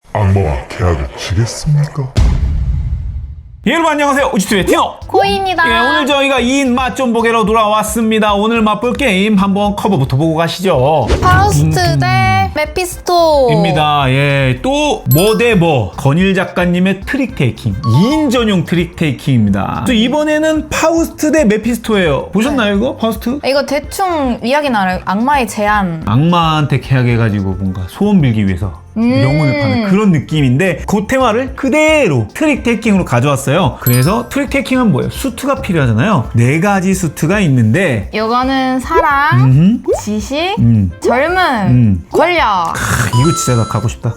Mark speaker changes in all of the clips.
Speaker 1: 악마와 계약을 치겠습니까?
Speaker 2: 예, 여러분 안녕하세요. 우지투의 티노
Speaker 3: 코이입니다.
Speaker 2: 예, 오늘 저희가 2인 맛 좀 보기로 돌아왔습니다. 오늘 맛볼 게임 한번 커버부터 보고 가시죠.
Speaker 3: 파우스트 대 메피스토
Speaker 2: 입니다. 예, 또 뭐 대 뭐 건일 작가님의 트릭 테이킹 2인 전용 트릭 테이킹입니다. 그래서 이번에는 파우스트 대 메피스토예요. 보셨나요 이거? 파우스트?
Speaker 3: 이거 대충 이야기는 알아요. 악마의 제안.
Speaker 2: 악마한테 계약해가지고 뭔가 소원 빌기 위해서 영혼을 파는 그런 느낌인데 그 테마를 그대로 트릭 테이킹으로 가져왔어요. 그래서 트릭 테이킹은 뭐예요? 수트가 필요하잖아요. 4가지 수트가 있는데
Speaker 3: 이거는 사랑, 지식, 젊음, 권력.
Speaker 2: 이거 진짜 나 갖고 싶다.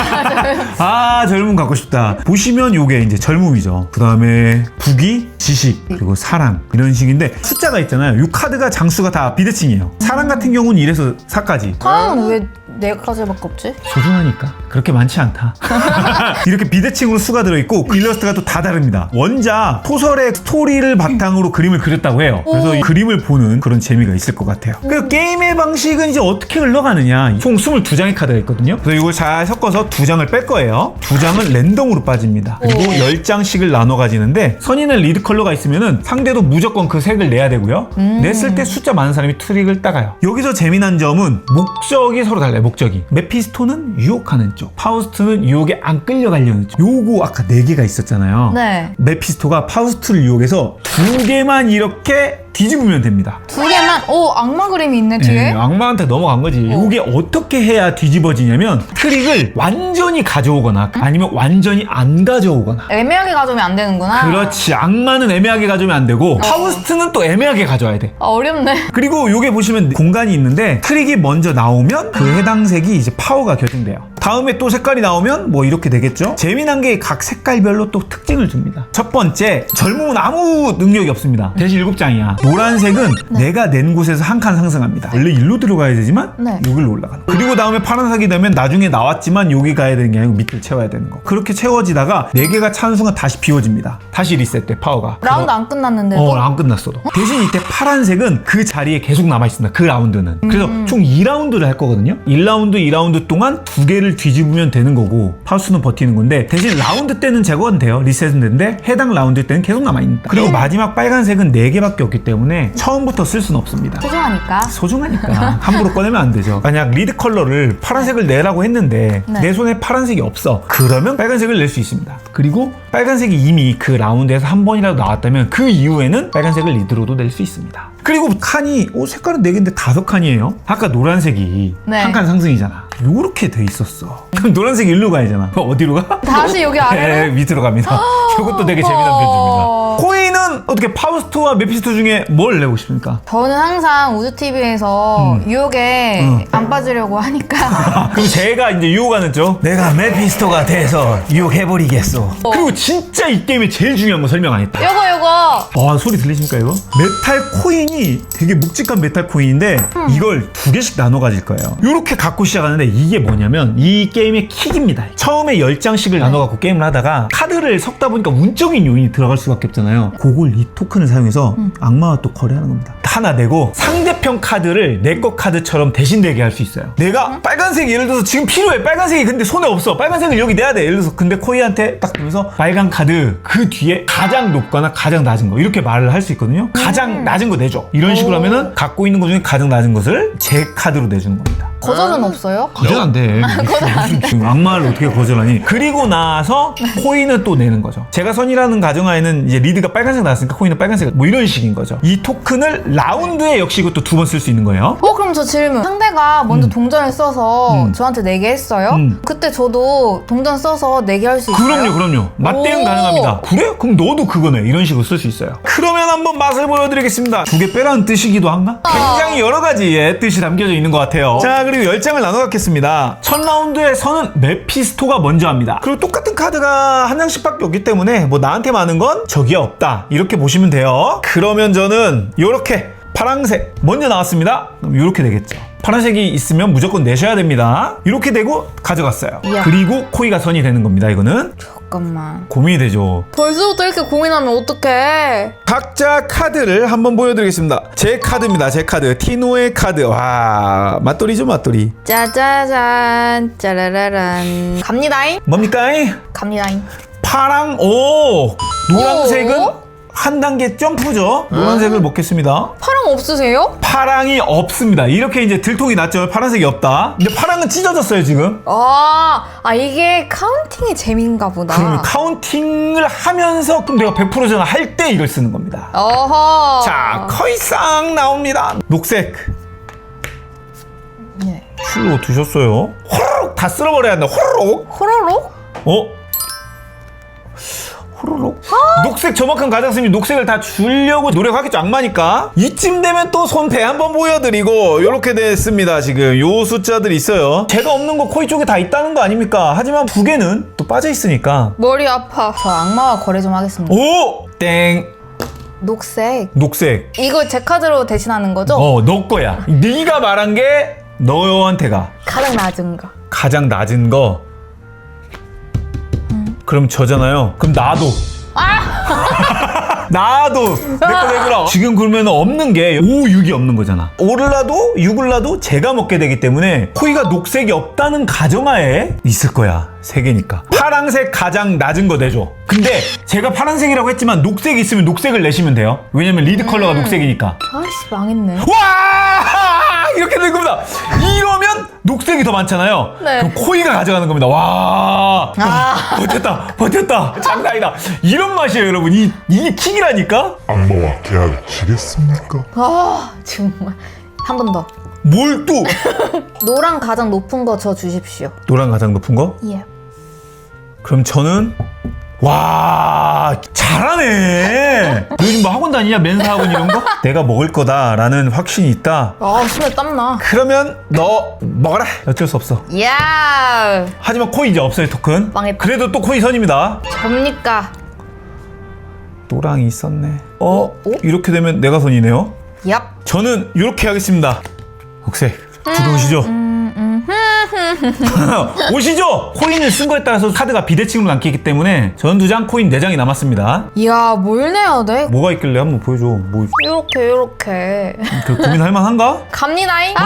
Speaker 2: 아, 젊음 갖고 싶다. 보시면 요게 이제 젊음이죠. 그 다음에 부귀, 지식, 그리고 사랑 이런 식인데 숫자가 있잖아요. 요 카드가 장수가 다 비대칭이에요. 사랑 같은 경우는 1에서 4까지.
Speaker 3: 사랑은 왜 4가지밖에 없지?
Speaker 2: 소중하니까 그렇게 많지 않다. 이렇게 비대칭으로 수가 들어있고 일러스트가 또 다 다릅니다. 원작 소설의 스토리를 바탕으로 그림을 그렸다고 해요. 그래서 이 그림을 보는 그런 재미가 있을 것 같아요. 그 게임의 방식은 이제 어떻게 흘러가느냐. 총 22장의 카드가 있거든요. 그래서 이걸 잘 섞어서 2장을 뺄 거예요. 2장은 랜덤으로 빠집니다. 그리고 10장씩을 나눠 가지는데 선인의 리드 컬러가 있으면은 상대도 무조건 그 색을 내야 되고요. 냈을 때 숫자 많은 사람이 트릭을 따가요. 여기서 재미난 점은 목적이 서로 달라요. 목적이. 메피스토는 유혹하는 쪽, 파우스트는 유혹에 안 끌려가려는 쪽. 요거 아까 4개가 있었잖아요.
Speaker 3: 네.
Speaker 2: 메피스토가 파우스트를 유혹해서 2개만 이렇게 뒤집으면 됩니다.
Speaker 3: 2개만? 오, 악마 그림이 있네 뒤에.
Speaker 2: 예, 악마한테 넘어간 거지. 이게 어떻게 해야 뒤집어지냐면 트릭을 완전히 가져오거나 아니면 완전히 안 가져오거나.
Speaker 3: 애매하게 가져오면 안 되는구나.
Speaker 2: 그렇지. 악마는 애매하게 가져오면 안 되고 파우스트는 또 애매하게 가져와야 돼.
Speaker 3: 아, 어렵네.
Speaker 2: 그리고 요게 보시면 공간이 있는데 트릭이 먼저 나오면 그 해당 색이 이제 파워가 결정돼요. 다음에 또 색깔이 나오면 뭐 이렇게 되겠죠. 재미난 게 각 색깔별로 또 특징을 줍니다. 첫 번째, 젊음은 아무 능력이 없습니다. 대신 7장이야. 노란색은 내가 낸 곳에서 한 칸 상승합니다. 원래 일로 들어가야 되지만 여기로 올라가는 거. 그리고 다음에 파란색이 되면 나중에 나왔지만 여기 가야 되는 게 아니고 밑을 채워야 되는 거. 그렇게 채워지다가 4개가 찬 순간 다시 비워집니다. 다시 리셋돼, 파워가.
Speaker 3: 라운드 안 끝났는데도?
Speaker 2: 안 끝났어도. 대신 이때 파란색은 그 자리에 계속 남아있습니다. 그 라운드는. 그래서 총 2라운드를 할 거거든요. 1라운드, 2라운드 동안 2개를 뒤집으면 되는 거고 파우스는 버티는 건데 대신 라운드 때는 제거는 돼요. 리셋은 되는데 해당 라운드 때는 계속 남아있습니다. 그리고 마지막 빨간색은 4개밖에 없기 때문에 처음부터 쓸 수는 없습니다. 소중하니까 함부로 꺼내면 안 되죠. 만약 리드 컬러를 파란색을 내라고 했는데 내 손에 파란색이 없어. 그러면 빨간색을 낼 수 있습니다. 그리고 빨간색이 이미 그 라운드에서 한 번이라도 나왔다면 그 이후에는 빨간색을 리드로도 낼 수 있습니다. 그리고 칸이 색깔은 4개인데 5칸이에요. 아까 노란색이 한 칸 상승이잖아. 요렇게 돼 있었어. 그럼 노란색이 일로 가야잖아. 어디로 가?
Speaker 3: 다시 여기 아래로?
Speaker 2: 네, 밑으로 갑니다. 이것도 되게 재미난 편집입니다. 코이는 어떻게 파우스트와 메피스토 중에 뭘 내고 싶습니까?
Speaker 3: 저는 항상 우주TV에서 유혹에 안 빠지려고 하니까
Speaker 2: 그럼 제가 이제 유혹하는 쪽 내가 메피스토가 돼서 유혹해버리겠어. 그리고 진짜 이 게임의 제일 중요한 거 설명 안 했다.
Speaker 3: 요거
Speaker 2: 소리 들리십니까 이거? 메탈 코인이 되게 묵직한 메탈 코인인데 이걸 2개씩 나눠 가질 거예요. 이렇게 갖고 시작하는데 이게 뭐냐면 이 게임의 킥입니다. 처음에 10장씩을 나눠 갖고 게임을 하다가 카드를 섞다 보니까 운적인 요인이 들어갈 수밖에 없잖아요. 그걸 이 토큰을 사용해서 악마와 또 거래하는 겁니다. 하나 내고 상대편 카드를 내 거 카드처럼 대신 내게 할 수 있어요. 내가 빨간색 예를 들어서 지금 필요해. 빨간색이 근데 손에 없어. 빨간색을 여기 내야 돼. 예를 들어서 근데 코이한테 딱 보면서 빨간 카드 그 뒤에 가장 높거나 가장 낮은 거 이렇게 말을 할 수 있거든요. 가장 낮은 거 내줘. 이런 식으로 하면은 갖고 있는 것 중에 가장 낮은 것을 제 카드로 내주는 겁니다.
Speaker 3: 거절은 없어요?
Speaker 2: 거절 안 돼. 지금 악마를 어떻게 거절하니? 그리고 나서 코인을 또 내는 거죠. 제가 선이라는 가정하에는 이제 리드가 빨간색 나왔으니까 코인은 빨간색 뭐 이런 식인 거죠. 이 토큰을 라운드에 역시 이것도 2번 쓸 수 있는 거예요.
Speaker 3: 그럼 저 질문. 상대가 먼저 동전을 써서 저한테 내게 했어요? 그때 저도 동전 써서 내게 할 수 있어요?
Speaker 2: 그럼요. 맞대응 가능합니다. 그래? 그럼 너도 그거네. 이런 식으로 쓸 수 있어요. 그러면 한번 맛을 보여드리겠습니다. 2개 빼라는 뜻이기도 한가? 굉장히 여러 가지의 뜻이 담겨져 있는 것 같아요. 자, 그리고 10장을 나눠 갖겠습니다. 첫 라운드에 서는 메피스토가 먼저 합니다. 그리고 똑같은 카드가 한 장씩밖에 없기 때문에 뭐 나한테 많은 건 적이 없다. 이렇게 보시면 돼요. 그러면 저는 이렇게 파란색 먼저 나왔습니다. 그럼 이렇게 되겠죠. 파란색이 있으면 무조건 내셔야 됩니다. 이렇게 되고 가져갔어요.
Speaker 3: 이야.
Speaker 2: 그리고 코이가 선이 되는 겁니다. 이거는
Speaker 3: 잠깐만.
Speaker 2: 고민이 되죠.
Speaker 3: 벌써부터 이렇게 고민하면 어떡해.
Speaker 2: 각자 카드를 한번 보여드리겠습니다. 제 카드입니다. 제 카드. 티노의 카드. 와, 맞돌이죠, 맞돌이.
Speaker 3: 짜자잔, 짜라라란. 갑니다잉?
Speaker 2: 뭡니까?
Speaker 3: 갑니다잉.
Speaker 2: 파랑, 오! 노란색은
Speaker 3: 오?
Speaker 2: 한 단계 점프죠. 노란색을 먹겠습니다.
Speaker 3: 파랑 없으세요?
Speaker 2: 파랑이 없습니다. 이렇게 이제 들통이 났죠. 파란색이 없다. 근데 파랑은 찢어졌어요, 지금.
Speaker 3: 이게 카운팅의 재미인가 보다.
Speaker 2: 그러면 카운팅을 하면서 그럼 내가 100% 전화 할 때 이걸 쓰는 겁니다.
Speaker 3: 어허.
Speaker 2: 자, 커이상 나옵니다. 녹색.
Speaker 3: 네.
Speaker 2: 풀로 두셨어요. 호로록 다 쓸어버려야 한다. 호로록.
Speaker 3: 호로록?
Speaker 2: 호로록. 녹색 저만큼 가져왔으면 녹색을 다 주려고 노력하겠죠. 악마니까. 이쯤 되면 또 손배 한번 보여드리고 이렇게 됐습니다. 지금 요 숫자들이 있어요. 제가 없는 거 코이 쪽에 다 있다는 거 아닙니까? 하지만 두 개는 또 빠져 있으니까.
Speaker 3: 머리 아파. 저 악마와 거래 좀 하겠습니다.
Speaker 2: 오! 땡.
Speaker 3: 녹색.
Speaker 2: 녹색.
Speaker 3: 이거 제 카드로 대신하는 거죠?
Speaker 2: 너 거야. 네가 말한 게 너한테가
Speaker 3: 가장 낮은 거.
Speaker 2: 가장 낮은 거. 그럼 저잖아요. 그럼 나도. 나도 내 거 내주라. 지금 그러면 없는 게 5, 6이 없는 거잖아. 5를 놔도 6을 놔도 제가 먹게 되기 때문에 코이가 녹색이 없다는 가정하에 있을 거야. 3개니까. 파란색 가장 낮은 거 내줘. 근데 제가 파란색이라고 했지만 녹색이 있으면 녹색을 내시면 돼요. 왜냐면 리드 컬러가 녹색이니까.
Speaker 3: 아이씨 망했네.
Speaker 2: 와! 이렇게 된 겁니다. 이러면 녹색이 더 많잖아요.
Speaker 3: 네.
Speaker 2: 그럼 코이가 가져가는 겁니다. 와! 버텼다. 장난이다. 이런 맛이에요, 여러분. 이게 킥이라니까?
Speaker 1: 악마와 계약을 치겠습니까?
Speaker 3: 정말. 한 번 더.
Speaker 2: 뭘 또?
Speaker 3: 노랑 가장 높은 거 저 주십시오.
Speaker 2: 노란 가장 높은 거?
Speaker 3: 예.
Speaker 2: 그럼 저는 와, 잘하네. 너 요즘 뭐 학원 다니냐? 멘사 학원 이런 거? 내가 먹을 거다라는 확신이 있다.
Speaker 3: 손에 땀나.
Speaker 2: 그러면 너 먹어라. 어쩔 수 없어.
Speaker 3: 야,
Speaker 2: 하지만 코이 이제 없어요, 토큰.
Speaker 3: 망했다.
Speaker 2: 그래도 또 코이 선입니다.
Speaker 3: 접니까?
Speaker 2: 노랑이 있었네.
Speaker 3: 오?
Speaker 2: 이렇게 되면 내가 선이네요.
Speaker 3: 얍.
Speaker 2: 저는 이렇게 하겠습니다. 녹색 들어오시죠. 오시죠. 코인을 쓴 거에 따라서 카드가 비대칭으로 남기 때문에 전 2장, 코인 4장이 남았습니다.
Speaker 3: 이야, 뭘 내야 돼?
Speaker 2: 뭐가 있길래 한번 보여줘. 뭐
Speaker 3: 요렇게.
Speaker 2: 그 고민할 만한가?
Speaker 3: 갑니다잉.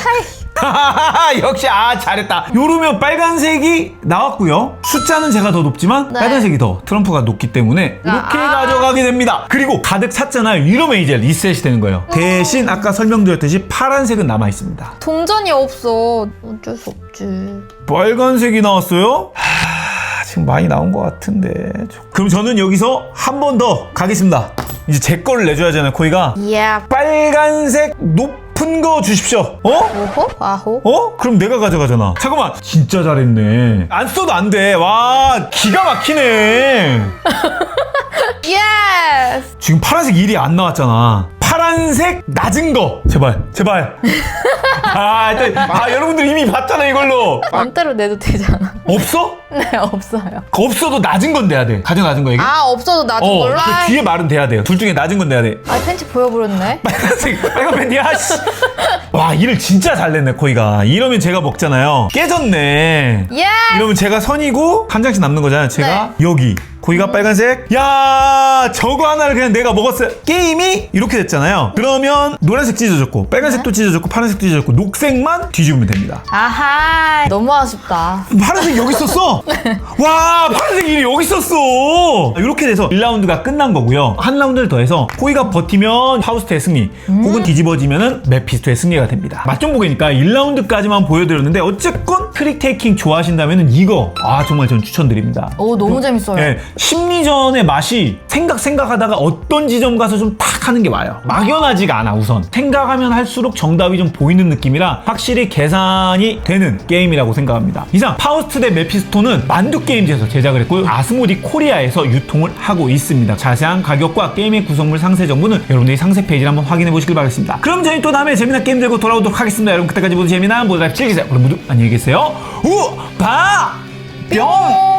Speaker 2: 역시 잘했다. 요러면 빨간색이 나왔고요. 숫자는 제가 더 높지만
Speaker 3: 네.
Speaker 2: 빨간색이 더 트럼프가 높기 때문에 이렇게 가져가게 됩니다. 그리고 가득 찼잖아요. 이러면 이제 리셋이 되는 거예요. 대신 아까 설명드렸듯이 파란색은 남아 있습니다.
Speaker 3: 동전이 없어. 어쩔 수 없지.
Speaker 2: 빨간색이 나왔어요? 지금 많이 나온 것 같은데. 그럼 저는 여기서 한 번 더 가겠습니다. 이제 제 거를 내줘야잖아요, 코이가.
Speaker 3: 예.
Speaker 2: 빨간색 높은 거 주십시오.
Speaker 3: 오호? 아호?
Speaker 2: 그럼 내가 가져가잖아. 잠깐만. 진짜 잘했네. 안 써도 안 돼. 와, 기가 막히네.
Speaker 3: 예스!
Speaker 2: 지금 파란색 1이 안 나왔잖아. 파란색 낮은 거. 제발. 여러분들 이미 봤잖아, 이걸로.
Speaker 3: 맘대로 내도 되잖아.
Speaker 2: 없어?
Speaker 3: 네, 없어요.
Speaker 2: 없어도 낮은 건 돼야 돼. 가장 낮은 거에게.
Speaker 3: 없어도 낮은 걸로?
Speaker 2: 그 뒤에 말은 돼야 돼요. 둘 중에 낮은 건 돼야 돼.
Speaker 3: 팬츠 보여버렸네.
Speaker 2: 빨간 팬티야. 씨. 와, 일을 진짜 잘 냈네, 코이가. 이러면 제가 먹잖아요. 깨졌네.
Speaker 3: 예!
Speaker 2: 이러면 제가 선이고 한 장씩 남는 거잖아요. 제가 여기. 코이가 빨간색. 야, 저거 하나를 그냥 내가 먹었어요. 게임이 이렇게 됐잖아요. 그러면 노란색 찢어졌고 빨간색도 찢어졌고 파란색도 찢어졌고 녹색만 뒤집으면 됩니다.
Speaker 3: 아하, 너무 아쉽다.
Speaker 2: 파란색 여기 있었어. 와, 파란색 일이 여기 있었어. 이렇게 돼서 1라운드가 끝난 거고요. 한 라운드를 더해서 코이가 버티면 파우스트의 승리, 혹은 뒤집어지면은 메피스토의 승리가 됩니다. 맛좀 보기니까 1라운드까지만 보여드렸는데 어쨌건 트릭 테이킹 좋아하신다면은 이거 정말 전 추천드립니다.
Speaker 3: 오, 너무 재밌어요.
Speaker 2: 네, 심리전의 맛이 생각하다가 어떤 지점 가서 좀 탁 하는 게 와요. 막연하지가 않아. 우선 생각하면 할수록 정답이 좀 보이는 느낌이라 확실히 계산이 되는 게임이라고 생각합니다. 이상 파우스트 대 메피스토는 만두게임즈에서 제작을 했고요. 아스모디 코리아에서 유통을 하고 있습니다. 자세한 가격과 게임의 구성물 상세 정보는 여러분들이 상세 페이지를 한번 확인해 보시길 바라겠습니다. 그럼 저희 또 다음에 재미난 게임 들고 돌아오도록 하겠습니다. 여러분 그때까지 모두 재미난 모두 즐기세요. 그럼 모두 안녕히 계세요. 뿅!